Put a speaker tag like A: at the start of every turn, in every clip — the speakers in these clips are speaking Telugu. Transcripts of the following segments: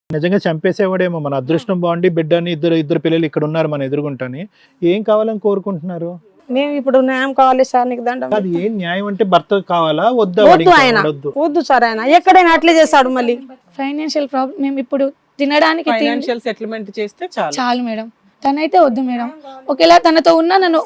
A: నిజంగా చంపేసేవాడేమో, మన అదృష్టం బాగుండి బిడ్డని ఇద్దరు పిల్లలు ఇక్కడ ఉన్నారు మన ఎదురుగుంటని. ఏం కావాలని కోరుకుంటున్నారు?
B: మేము ఇప్పుడు న్యాయం కావాలి సార్, నీకు దండం.
A: అది ఏం న్యాయం అంటే భర్త కావాలా వద్దా?
B: వద్దు ఆయన, వద్దు సార్, ఆయన ఎక్కడైనా అట్లే చేస్తాడు. మళ్ళీ
C: ఫైనాన్షియల్ ప్రాబ్లం, మేము ఇప్పుడు తినడానికి
D: ఫైనాన్షియల్ సెటిల్మెంట్ చేస్తే
C: చాలు మేడం. తనైతే వద్దు మేడం. ఒకేలా తనతో ఉన్నా నన్ను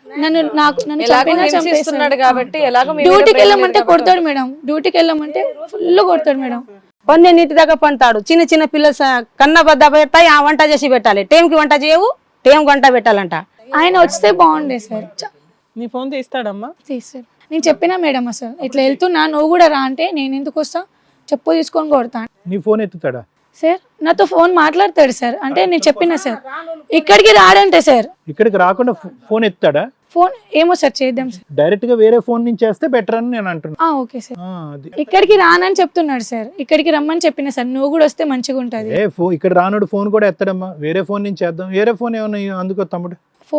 E: చంపేస్తున్నాడు కాబట్టి
C: డ్యూటీకి వెళ్ళమంటే కొడతాడు మేడం. డ్యూటీకి వెళ్ళమంటే ఫుల్ కొడతాడు మేడం.
B: కొన్ని నీటి దగ్గర పంటాడు. చిన్న చిన్న పిల్లలు కన్న బద్ద పెడతాయి, ఆ వంట చేసి పెట్టాలి. టైంకి వంట చేయవు, టైం వంట పెట్టాలంట.
C: ఆయన వస్తే బాగుండే సార్.
D: నీ ఫోన్ తీస్తాడమ్మా?
C: తీస్తారు. నేను చెప్పినా మేడం అసలు ఇట్లా వెళ్తున్నా, నువ్వు కూడా రా అంటే నేను ఎందుకు వస్తా, చెప్పు తీసుకొని కొడతాను.
A: నీ ఫోన్ ఎత్తుతాడా
C: సార్? నాతో ఫోన్ మాట్లాడతాడు సార్. అంటే నేను చెప్పినా సార్ ఇక్కడికి రాడంటే సార్.
A: ఇక్కడికి రాకుండా ఫోన్ ఎత్తాడా?
C: ఫోన్ ఏమో సార్, చేద్దాం సార్.
A: డైరెక్ట్ గా వేరే ఫోన్ నుంచి చేస్తే బెటర్ అని నేను అంటున్నా.
C: Okay sir. ఇక్కడికి రానని చెప్తున్నాడు సార్. ఇక్కడికి రమ్మని చెప్పిన సార్, నువ్వు కూడా వస్తే మంచిగా ఉంటది.
A: ఇక్కడ రానుడు ఫోన్ కూడా ఎత్తడమ్మా, వేరే ఫోన్ నుంచి చేద్దాం. వేరే ఫోన్ ఏమన్నా అందుకో తమ్ముడు.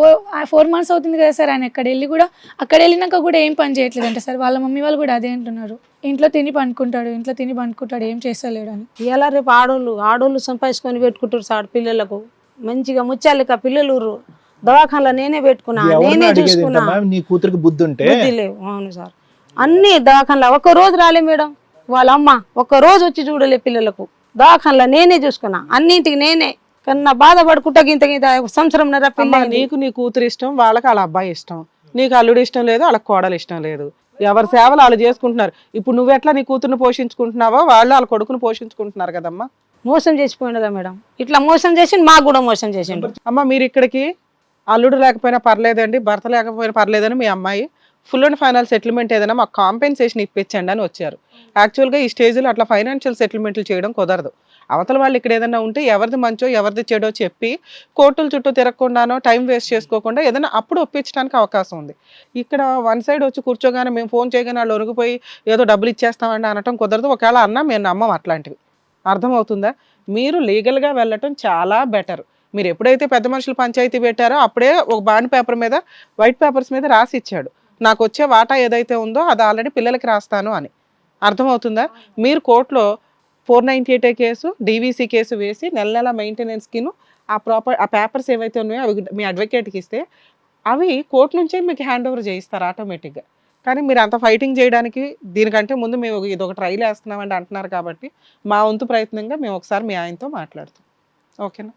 C: 4 months అవుతుంది కదా సార్ ఆయన అక్కడ వెళ్ళి కూడా. అక్కడ వెళ్ళినాక కూడా ఏం పని చేయట్లేదు అంట సార్. వాళ్ళ మమ్మీ వాళ్ళు కూడా అదే అంటున్నారు. ఇంట్లో తిని పండుకుంటాడు, ఏం చేస్తలేడు అని.
B: ఇలా రేపు ఆడోళ్ళు సంపాదించుకొని పెట్టుకుంటారు సార్ పిల్లలకు. మంచిగా ముచ్చాలిక పిల్లలు దవాఖానలో నేనే పెట్టుకున్నా, నేనే చూసుకున్నా.
A: నీ కూతురికి బుద్ధి ఉంటే
B: లేవు. అవును సార్, అన్ని దవాఖానలో ఒక్క రోజు రాలే మేడం. వాళ్ళ అమ్మ ఒక్క రోజు వచ్చి చూడలే పిల్లలకు. దవాఖానలో నేనే చూసుకున్నా, అన్నింటికి నేనే. కన్నా బాధపడుకుంటా గింత సంవత్సరం
D: నీకు నీ కూతురు ఇష్టం, వాళ్ళకి వాళ్ళ అబ్బాయి ఇష్టం. నీకు అల్లుడు ఇష్టం లేదు, వాళ్ళకి కోడలు ఇష్టం లేదు. ఎవరి సేవలు వాళ్ళు చేసుకుంటున్నారు. ఇప్పుడు నువ్వెట్లా నీ కూతురుని పోషించుకుంటున్నావో వాళ్ళు వాళ్ళ కొడుకుని పోషించుకుంటున్నారు కదమ్మా.
B: మోసం చేసిపోయినదా మేడం? ఇట్లా మోసం చేసి మాకు కూడా మోసం చేసిండు.
D: అమ్మ మీరు ఇక్కడికి అల్లుడు లేకపోయినా పర్లేదండి, భర్త లేకపోయినా పర్లేదని మీ అమ్మాయి ఫుల్ అండ్ ఫైనల్ సెటిల్మెంట్ ఏదైనా మాకు కాంపెన్సేషన్ ఇప్పించండి అని వచ్చారు. యాక్చువల్గా ఈ స్టేజ్లో అట్లా ఫైనాన్షియల్ సెటిల్మెంట్లు చేయడం కుదరదు. అవతల వాళ్ళు ఇక్కడ ఏదైనా ఉంటే ఎవరిది మంచో ఎవరిది చెడో చెప్పి కోర్టుల చుట్టూ తిరగకుండానో టైం వేస్ట్ చేసుకోకుండా ఏదైనా అప్పుడు ఒప్పించడానికి అవకాశం ఉంది. ఇక్కడ వన్ సైడ్ వచ్చి కూర్చోగానే మేము ఫోన్ చేయగానే వాళ్ళు ఒరిగిపోయి ఏదో డబ్బులు ఇచ్చేస్తామండి అనటం కుదరదు. ఒకవేళ అన్నా మేము నమ్మం అట్లాంటివి. అర్థమవుతుందా? మీరు లీగల్గా వెళ్ళటం చాలా బెటర్. మీరు ఎప్పుడైతే పెద్ద మనుషులు పంచాయతీ పెట్టారో అప్పుడే ఒక బాండ్ పేపర్ మీద వైట్ పేపర్స్ మీద రాసి ఇచ్చాడు, నాకు వచ్చే వాటా ఏదైతే ఉందో అది ఆల్రెడీ పిల్లలకి రాస్తాను అని. అర్థమవుతుందా? మీరు కోర్టులో 498 కేసు, డీవీసీ కేసు వేసి నెల మెయింటెనెన్స్కిను ఆ పేపర్స్ ఏవైతే ఉన్నాయో అవి మీ అడ్వకేట్కి ఇస్తే అవి కోర్టు నుంచే మీకు హ్యాండ్ ఓవర్ చేయిస్తారు ఆటోమేటిక్గా. కానీ మీరు అంత ఫైటింగ్ చేయడానికి దీనికంటే ముందు మేము ఇది ఒక ట్రైల్ వేస్తున్నామండి అంటున్నారు కాబట్టి మా వంతు ప్రయత్నంగా మేము ఒకసారి మీ ఆయనతో మాట్లాడుతాం. ఓకేనా?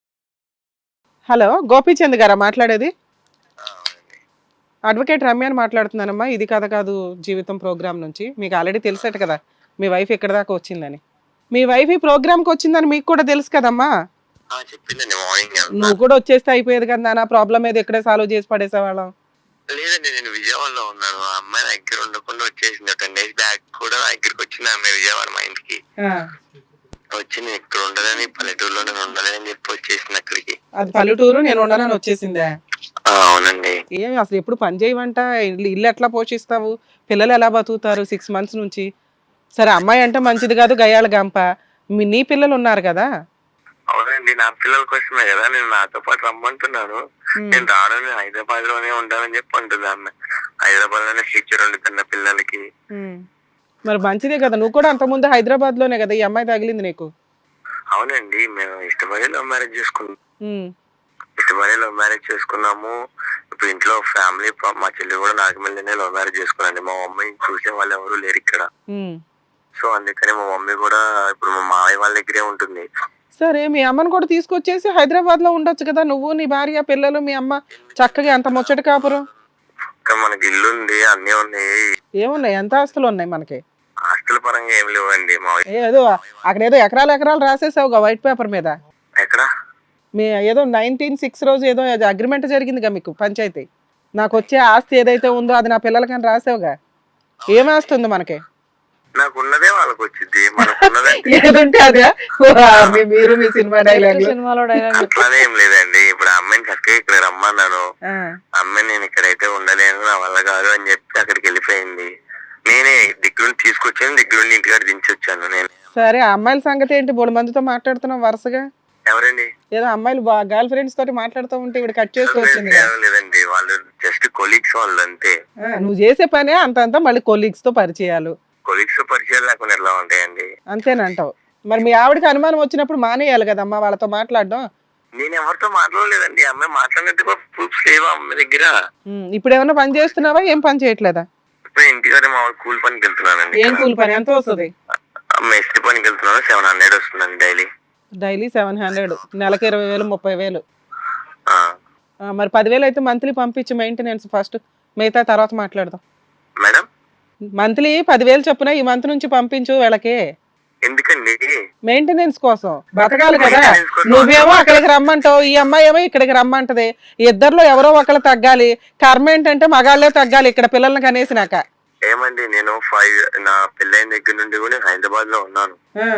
D: హలో, గోపీచంద్ గారా మాట్లాడేది? అడ్వకేట్ రమ్యాని మాట్లాడుతున్నానమ్మా. ఇది కథ కాదు జీవితం ప్రోగ్రామ్ నుంచి. మీకు ఆల్రెడీ తెలుసట కదా మీ వైఫ్ ఎక్కడ దాకా వచ్చిందని. మీ వైఫ్ ఈ ప్రోగ్రామ్కి వచ్చిందని మీకు కూడా తెలుసు కదమ్మా. నువ్వు కూడా వచ్చేస్తే అయిపోయేది కదా నాన్న, ప్రాబ్లం ఏది ఎక్కడే సాల్వ్ చేసి పడేసేవాళ్ళం.
F: లేదండి, నేను విజయవాడలో ఉన్నాను. ఆ అమ్మాయి నా దగ్గర ఉండకుండా వచ్చేసింది. 10 days బ్యాక్ కూడా నా దగ్గరికి వచ్చింది అమ్మాయి విజయవాడ మా ఇంటికి వచ్చి. నేను ఇక్కడ ఉండదని, పల్లెటూరులో నేను ఉండలేని చెప్పి వచ్చేసింది అక్కడికి.
D: అది పల్లెటూరు, నేను ఉండనని వచ్చేసిందే?
F: అవునండి.
D: ఏమి అసలు ఎప్పుడు పని చేయమంట? ఇల్లు ఎట్లా పోషిస్తావు? పిల్లలు ఎలా బతుకుతారు 6 months నుంచి? సరే అమ్మాయి అంటే మంచిది కాదు, గయాల గంప. నీ పిల్లలు ఉన్నారు కదా?
F: అవునండి, నా పిల్లల కోసమే కదా నేను నాతో పాటు రమ్మంటున్నాను. నేను రాను, హైదరాబాద్ లోనే ఉంటానని చెప్పి అంటుంది అమ్మాయి. హైదరాబాద్ లోనే ఫ్యూచర్ ఉండుతున్న పిల్లలకి.
D: మరి మంచిదే కదా, నువ్వు కూడా అంత ముందు హైదరాబాద్ లోనే కదా ఈ అమ్మాయి తగిలింది నీకు.
F: అవునండి, మేము ఇష్టపడి లవ్ మ్యారేజ్ చేసుకున్నాము. ఇప్పుడు ఇంట్లో ఫ్యామిలీ, మా చెల్లి కూడా నాగమల్లినే లవ్ మ్యారేజ్ చేసుకున్నాండి. మా మమ్మీ చూసే వాళ్ళు ఎవరు లేరు ఇక్కడ. సో అందుకని మా మమ్మీ కూడా ఇప్పుడు మా మావయ్య వాళ్ళ దగ్గరే ఉంటుంది.
D: సరే మీ అమ్మని కూడా తీసుకొచ్చేసి హైదరాబాద్ లో ఉండొచ్చు కదా, నువ్వు నీ భార్య పిల్లలు మీ అమ్మ చక్కగా అంత ముచ్చట కాపురం.
F: మనకి ఇల్లు ఉంది, అన్ని ఉన్నాయి.
D: ఏమున్నాయి? ఎంత ఆస్తులు ఉన్నాయి మనకి?
F: ఆస్తుల పరంగా ఏం లేవండి.
D: ఏదో అక్కడ ఏదో ఎకరాలు రాసేసావుగా వైట్ పేపర్ మీద.
F: ఎక్కడ?
D: మీ ఏదో 1906 రోజు ఏదో అగ్రిమెంట్ జరిగిందిగా మీకు పంచాయతీ. నాకు వచ్చే ఆస్తి ఏదైతే ఉందో అది నా పిల్లలకని రాసావుగా. ఏం ఆస్తి ఉంది మనకి?
F: నాకున్నదే వాళ్ళకి వచ్చింది.
D: మీరు మీ సినిమా డైలాగ్
F: అట్లానే ఏం లేదండి. ఇప్పుడు అమ్మాయిని చక్కగా ఇక్కడ రమ్మన్నాను. అమ్మాయి నేను ఇక్కడైతే ఉండలేను, నా వల్ల కాదు అని చెప్పి అక్కడికి వెళ్ళిపోయింది. నేనే దగ్గరుండి తీసుకొచ్చాను, దగ్గరుండి ఇంటికాడ దించి వచ్చాను నేను.
D: సరే అమ్మాయిల సంగతి ఏంటి? 3 మందితో మాట్లాడుతున్నావు వరుసగా.
F: ఎవరండి?
D: ఏదో అమ్మాయిలు గర్ల్ ఫ్రెండ్స్ తోటి మాట్లాడుతూ ఉంటే ఇప్పుడు కట్ చేసి వచ్చింది.
F: లేదండి, వాళ్ళు జస్ట్ కొలీగ్స్ వాళ్ళు అంతే.
D: నువ్వు చేసే పనే అంత మళ్ళీ కొలీగ్స్ తో పరిచయాలు.
F: కొలీగ్స్ తో పరిచయాలు లేకుండా ఎలా ఉంటాయండి?
D: అంతేనంటావు. మరి మీ ఆవిడకి అనుమానం వచ్చినప్పుడు మానేయాలి కదమ్మా వాళ్ళతో మాట్లాడడం.
F: నేను ఎవరితో మాట్లాడలేదండి. అమ్మాయి మాట్లాడినట్టు ప్రూఫ్స్ లేవా అమ్మాయి దగ్గర?
D: ఇప్పుడు ఏమన్నా పని చేస్తున్నావా? ఏం పని చేయట్లేదా?
F: ఇప్పుడు ఇంటికాడే మా కూలి పనికి వెళ్తున్నానండి.
D: ఏం కూలి పని? ఎంత వస్తుంది?
F: మేస్త్రి పనికి వెళ్తున్నాను. 700 వస్తుందండి డైలీ.
D: డైలీ 700, నెలకి 20,000 30,000. మరి 10,000 అయితే మంత్లీ పంపించు మెయింటెనెన్స్ ఫస్ట్, మిగతా తర్వాత మాట్లాడదాం.
F: మేడం
D: మంత్లీ 10,000 చొప్పున ఈ మంత్ నుంచి పంపించు వీళ్ళకి.
F: ఎందుకండి?
D: మెయింటెనెన్స్ కోసం బతకాలి కదా. నువ్వేమో అక్కడికి రమ్మంటావు, ఈ అమ్మాయి ఏమో ఇక్కడికి రమ్మంటది. ఇద్దర్లో ఎవరో ఒకళ్ళు తగ్గాలి. కర్మ ఏంటంటే మగాళ్ళే తగ్గాలి ఇక్కడ పిల్లల్ని కనేసినాక.
F: ఏమండి నేను నా పెళ్ళైన దగ్గర నుండి కూడా హైదరాబాద్ లో ఉన్నాను.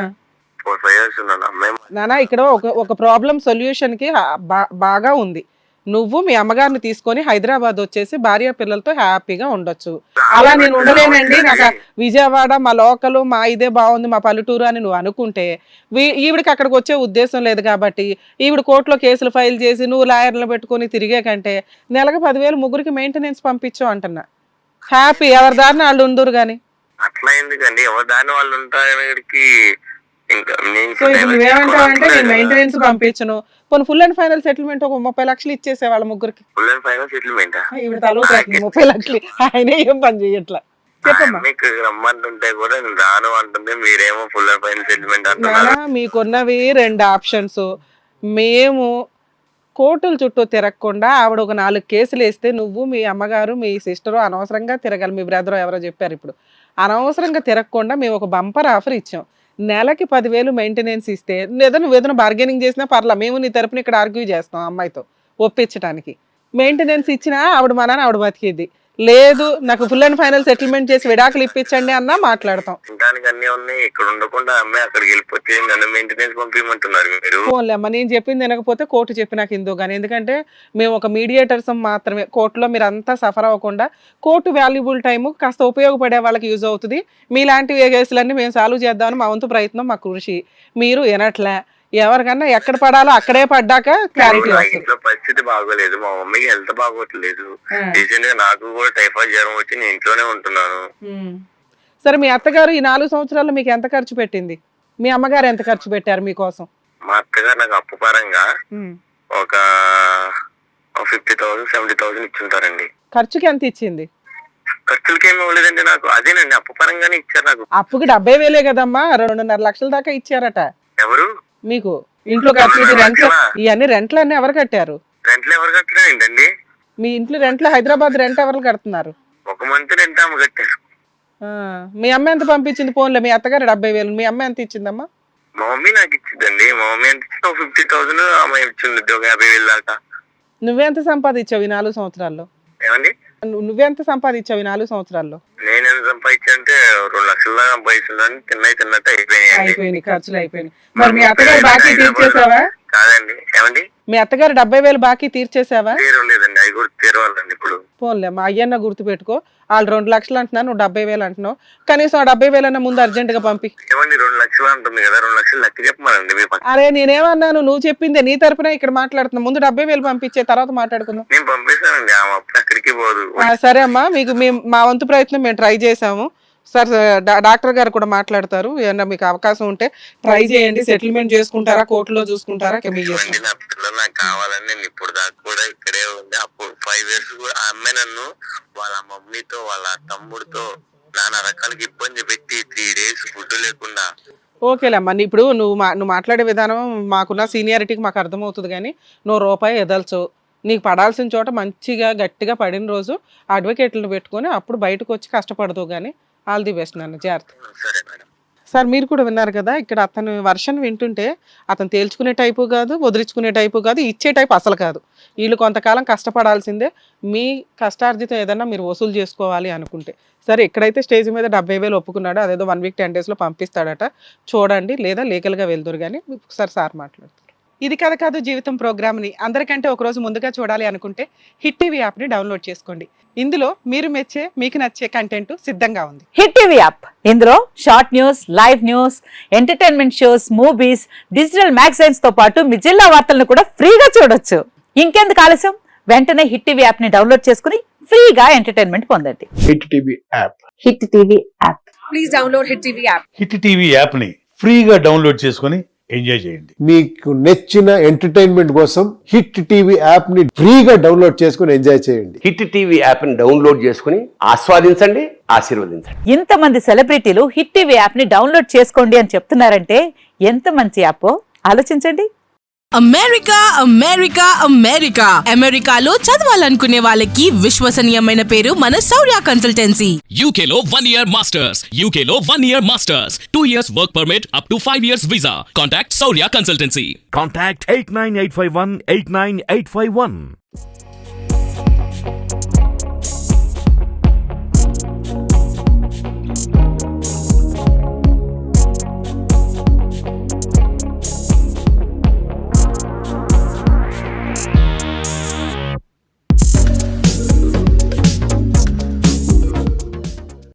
F: 4-5 years ఉన్నాను. అమ్మాయి
D: నానా ఇక్కడ ఒక ప్రాబ్లం సొల్యూషన్ కి బాగా ఉంది. నువ్వు మీ అమ్మగారిని తీసుకొని హైదరాబాద్ వచ్చేసి భార్య పిల్లలతో హ్యాపీగా ఉండొచ్చు. అలా నేను ఉండలేనండి, నాకు విజయవాడ మా లోకలు మా ఇదే బాగుంది మా పల్లెటూరు అని నువ్వు అనుకుంటే ఈవిడికి అక్కడికి వచ్చే ఉద్దేశం లేదు కాబట్టి ఈవిడ కోర్టులో కేసులు ఫైల్ చేసి నువ్వు లాయర్లు పెట్టుకొని తిరిగే కంటే నెలకు 10,000 ముగ్గురికి మెయింటెనెన్స్ పంపించు అంటున్నా. హ్యాపీ ఎవరి దారిని వాళ్ళు ఉందరు గాని.
F: అట్లా ఎందుకండి? ఎవరి దాని వాళ్ళు ఉంటారికి. ఇంకా
D: నువ్వేమంటావంటే నేను మెయింటెనెన్స్ పంపించను, కొన్ని ఫుల్ అండ్ ఫైనల్ సెటిల్మెంట్ ఒక 30 లక్షలు ఇచ్చేసే వాళ్ళ ముగ్గురికి.
F: Full and final settlement?
D: ఈవిడ తలో 30 లక్షలు, ఆయన ఏం పని చేయట్లా. చెప్పమ్మా.
F: మీకు రమ్మంటుంటే కూడా నేను రాను అంటుంది, మీరేమో ఫుల్ అండ్ ఫైనల్ సెటిల్మెంట్ అంటున్నారు.
D: మీకున్నవి 2 ఆప్షన్స్. మేము కోర్టుల చుట్టూ తిరగకుండా ఆవిడ ఒక 4 కేసులు వేస్తే నువ్వు మీ అమ్మగారు మీ సిస్టరు అనవసరంగా తిరగాలి. మీ బ్రదర్ ఎవరో చెప్పారు ఇప్పుడు. అనవసరంగా తిరగకుండా మేము ఒక బంపర్ ఆఫర్ ఇచ్చాం. నెలకి 10,000 మెయింటెనెన్స్ ఇస్తే లేదా నువ్వు ఏదైనా బార్గెనింగ్ చేసినా పర్లా, మేము నీ తరపున ఇక్కడ ఆర్గ్యూ చేస్తాం అమ్మాయితో ఒప్పించడానికి. మెయింటెనెన్స్ ఇచ్చినా ఆవిడ మా నాన్న ఆవిడ బతికేది లేదు, నాకు ఫుల్ అండ్ ఫైనల్ సెటిల్మెంట్ చేసి విడాకులు ఇప్పించండి అన్నా మాట్లాడతాం.
F: దానికి అన్ని ఉన్నాయి. ఇక్కడ ఉండకుండా అమ్మాయి అక్కడికి వెళ్ళిపోతే నన్ను మెయింటెనెన్స్ పంపించమంటున్నారు మీరు.
D: ఫోన్లే అమ్మ, నేను చెప్పింది వినకపోతే కోర్టు చెప్పి నాకు ఇందో కానీ. ఎందుకంటే మేము ఒక మీడియేటర్స్ మాత్రమే. కోర్టులో మీరు అంతా సఫర్ అవ్వకుండా కోర్టు వాల్యుబుల్ టైము కాస్త ఉపయోగపడే వాళ్ళకి యూజ్ అవుతుంది. మీలాంటి కేసులన్నీ మేము సాల్వ్ చేద్దామని మా వంతు ప్రయత్నం, మా కృషి. మీరు వినట్లే. ఎవరికన్నా ఎక్కడ పడాలో అక్కడే పడ్డాక క్లారిటీ వస్తుంది.
F: ఇంట్లో పరిస్థితి బాగోలేదు, మా మమ్మీకి హెల్త్ బాగోట్లేదు. రీసెంట్ గా నాకు కూడా టైఫాయిడ్ జ్వరం వచ్చి నేను ఇంట్లోనే ఉంటున్నాను.
D: సరే మీ అత్తగారు ఈ 4 సంవత్సరాల్లో మీకు ఎంత ఖర్చు పెట్టింది? మీ అమ్మగారు ఎంత ఖర్చు పెట్టారు మీకోసం?
F: మా అత్తగారు నాకు అప్పు పరంగా ఒక 50,000 70,000 ఇచ్చుంటారండి.
D: ఖర్చుకి ఎంత ఇచ్చింది?
F: ఖర్చులకి ఏమి ఇవ్వలేదండి నాకు. అదేనండి అప్పు పరంగానే ఇచ్చారు నాకు.
D: అప్పుకి 70,000 కదమ్మా, 2.5 లక్షల దాకా ఇచ్చారట.
F: ఎవరు?
D: మీకు ఇంట్లో ఖర్చు రెంట్ ఇవన్నీ రెంట్లు అన్ని ఎవరు కట్టారు?
F: రెంట్లు ఎవరు కట్టినా ఏంటండి?
D: మీ ఇంట్లో రెంట్లు హైదరాబాద్ రెంట్ ఎవరు కడుతున్నారు?
F: ఒక మంత్ రెంట్ ఆమె కట్టారు.
D: మీ అమ్మ ఎంత పంపించింది? ఫోన్లో మీ అత్తగారు 70,000, మీ అమ్మ ఎంత ఇచ్చిందమ్మా?
F: మా మమ్మీ నాకు ఇచ్చిందండి. మా మమ్మీ ఎంత ఇచ్చింది? 50,000 ఆమె ఇచ్చింది, ఒక 50,000 దాకా.
D: నువ్వెంత సంపాదించావు ఈ 4 సంవత్సరాల్లో?
F: ఏమండి?
D: నువ్వెంత సంపాదించావు ఈ 4 సంవత్సరాల్లో?
F: నేను ఎంత సంపాదించానంటే 2 లక్షల దాకా సంపాదిస్తున్నాను. తిన్నట్టు
D: అయిపోయింది, ఖర్చులు అయిపోయినాయి. మరి మీ అత్తగారు బాకీ తీర్చేసావా?
F: కాదండి. ఏమండి?
D: మీ అత్తగారు 70,000 బాకీ తీర్చేసావా?
F: తీరలేదండి, అవి కూడా తీరవాలండి ఇప్పుడు.
D: పోన్లే మా అయ్యన్న గుర్తు పెట్టుకో. వాళ్ళు 2 లక్షలు అంటున్నాను, నువ్వు 70,000 అంటున్నావు. కనీసం ఆ 70,000 అన్న ముందు అర్జెంట్ గా పంపి.
F: ఏమండి 2 లక్షలు అంటుంది కదా, 2 లక్షలు లెక్క చెప్పమనండి మీ పక్కన.
D: అరే నేనేమన్నాను? నువ్వు చెప్పిందే, నీ తరపున ఇక్కడ మాట్లాడుతున్నా. ముందు 70,000 పంపించే తర్వాత మాట్లాడుకుందాం.
F: నేను పంపిస్తానండి, ఆమె అప్పుడు అక్కడికి పోదు.
D: సరే అమ్మా, మీకు మా వంతు ప్రయత్నం మేము ట్రై చేసాము. సార్ డాక్టర్ గారు కూడా మాట్లాడతారు. ఏమన్నా మీకు అవకాశం ఉంటే ట్రై చేయండి. సెటిల్మెంట్ చేసుకుంటారా, కోర్టులో చూసుకుంటారా?
F: నా పిల్లలు నాకు కావాలని నేను ఇప్పుడు దాకా కూడా ఇక్కడే ఉంది. అప్పుడు 5 years ఆ అమ్మాయి నన్ను వాళ్ళ మమ్మీతో వాళ్ళ తమ్ముడితో నానా రకాలకి ఇబ్బంది పెట్టి 3 days ఫుడ్ లేకుండా.
D: ఓకేలేమ్మా, ఇప్పుడు నువ్వు మాట్లాడే విధానం మాకున్న సీనియారిటీకి మాకు అర్థమవుతుంది. కానీ నువ్వు రూపాయి ఎదల్చు. నీకు పడాల్సిన చోట మంచిగా గట్టిగా పడిన రోజు అడ్వకేట్లను పెట్టుకొని అప్పుడు బయటకు వచ్చి కష్టపడదు. కానీ ఆల్ ది బెస్ట్ నాన్న, జాగ్రత్త.
F: సరే మేడం.
D: సార్ మీరు కూడా విన్నారు కదా, ఇక్కడ అతను వర్షన్ వింటుంటే అతను తేల్చుకునే టైపు కాదు, వదిలించుకునే టైపు కాదు, ఇచ్చే టైపు అసలు కాదు. వీళ్ళు కొంతకాలం కష్టపడాల్సిందే. మీ కష్టార్జితం ఏదన్నా మీరు వసూలు చేసుకోవాలి అనుకుంటే. సరే ఇక్కడైతే స్టేజ్ మీద 70,000 ఒప్పుకున్నాడు. అదేదో 1 week 10 days పంపిస్తాడట. చూడండి, లేదా లీగల్గా వెళ్తురు. కానీ ఒకసారి సార్ మాట్లాడుతారు. ఇది కథ కాదు జీవితం ప్రోగ్రామ్ని అందరికంటే ఒకరోజు ముందుగా చూడాలి అనుకుంటే హిట్ టీవీ యాప్ని డౌన్లోడ్ చేసుకోండి. ఇందులో మీరు మెచ్చే, మీకు నచ్చే కంటెంట్ సిద్ధంగా ఉంది.
E: హిట్ టీవీ యాప్, ఇందులో short news, live news, entertainment shows, movies, digital magazines తో పాటు మీ జిల్లా వార్తలను కూడా ఫ్రీగా చూడొచ్చు. ఇంకెందుకు ఆలస్యం, వెంటనే హిట్ టీవీ యాప్ ని డౌన్లోడ్ చేసుకుని ఫ్రీగా ఎంటర్టైన్మెంట్ పొందండి.
A: Hit TV app.
E: Hit TV app.
G: Please download Hit TV app.
H: Hit TV యాప్ని
G: ఫ్రీగా డౌన్లోడ్ చేసుకొని ఎంజాయ్ చేయండి.
H: మీకు నచ్చిన ఎంటర్టైన్మెంట్ కోసం హిట్ టీవీ యాప్ ని ఫ్రీగా డౌన్లోడ్ చేసుకుని ఎంజాయ్ చేయండి.
I: హిట్ టీవీ యాప్ ని డౌన్లోడ్ చేసుకుని ఆస్వాదించండి, ఆశీర్వదించండి.
E: ఇంతమంది సెలబ్రిటీలు హిట్ టీవీ యాప్ ని డౌన్లోడ్ చేసుకోండి అని చెప్తున్నారంటే ఎంత మంచి యాప్ ఆలోచించండి.
J: అమెరికా అమెరికా అమెరికా అమెరికాలో చదవాలనుకునే వాళ్ళకి విశ్వసనీయమైన పేరు మన శౌర్య కన్సల్టెన్సీ.
K: UK లో 1 year masters, UK లో 1 year masters, 2 years work permit up to 5 years visa. Contact Saurya Consultancy.
L: Contact 89851 89851.